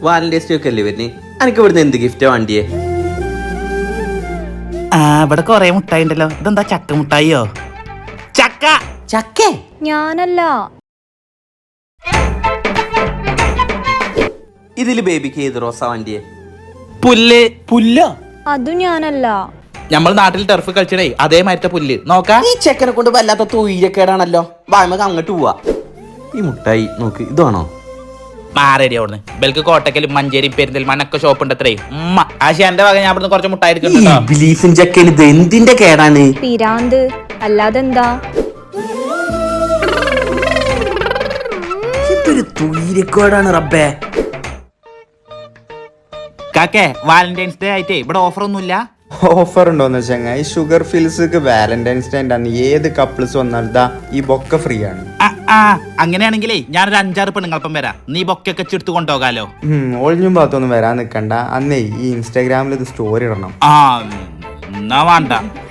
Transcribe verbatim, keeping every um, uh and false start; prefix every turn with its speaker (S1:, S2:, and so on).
S1: Valentine's day ഒക്കെ അല്ലേ വരുന്നേ, എനിക്ക് ഇവിടുന്ന് എന്ത് ഗിഫ്റ്റാ വേണ്ടിയേ?
S2: ആ ഇവിടെ കൊറേ മുട്ടായി ഉണ്ടല്ലോ. ഇതെന്താ ചക്ക മുട്ടായിയോ? ചക്ക
S1: ചക്കേ?
S3: ഞാനല്ല.
S1: ഇതില് ബേബിക്ക് ഏത് റോസാ വേണ്ടിയേ?
S2: പുല്ല്.
S1: പുല്ലോ?
S3: അതും ഞാനല്ല.
S2: നമ്മൾ നാട്ടിൽ ടെർഫ് കളിച്ചടേ അതേമാതിരത്തെ പുല്ല്. നോക്കാ
S1: ഈ ചെക്കനെ കൊണ്ട് വല്ലാത്ത തൊഴിലക്കേടാണല്ലോ. വായ്മക്ക് അങ്ങോട്ട് പോവാ. ഈ മുട്ടായി നോക്ക്, ഇതാണോ?
S2: മാറേടി അവിടുന്ന്. ബൽക്ക് കോട്ടക്കലും മഞ്ചേരി പെരിന്തൽമണ്ണൊക്കെ ഷോപ്പ് ഉണ്ട് അത്രേ. ഉമ്മ ആശാന്റെ വക ഞാൻ ഇവിടുന്ന് കുറച്ച് മുട്ടായി എടുക്കുന്നുണ്ടോ?
S1: ബിലീഫും ചക്കൻ ഇത് എന്തിന്റെ കേടാണ്?
S3: പിരാന്ത് അല്ലാതെന്താ?
S1: ഇതൊരു തൊഴിലക്കേടാണ് റബ്ബേ.
S2: കാക്കേ വാലന്റൈൻസ് ഡേ ആയിട്ടേ ഇവിടെ ഓഫർ ഒന്നുമില്ല.
S4: ഓഫർ ഉണ്ടോന്ന് വെച്ചാൽ ഈ ഷുഗർ ഫിൽസ് വാലന്റൈൻസ് ഡേ ആണ്. ഏത് കപ്പിൾസ് വന്നാൽ ദാ ഈ ബൊക്ക ഫ്രീ ആണ്.
S2: ആ, ആ അങ്ങനെയാണെങ്കിലേ ഞാനൊരു അഞ്ചാറ് പെണ്ണുങ്ങൾപ്പം വരാം. നീ ബൊക്കൊക്കെ ചെടുത്ത് കൊണ്ടുപോകാലോ.
S4: ഒളിഞ്ഞും ഭാഗത്തൊന്നും വരാൻ നിൽക്കണ്ട. അന്നേ ഈ ഇൻസ്റ്റാഗ്രാമിൽ ഇത് സ്റ്റോറി ഇടണം.
S2: ആ എന്നാ വേണ്ട.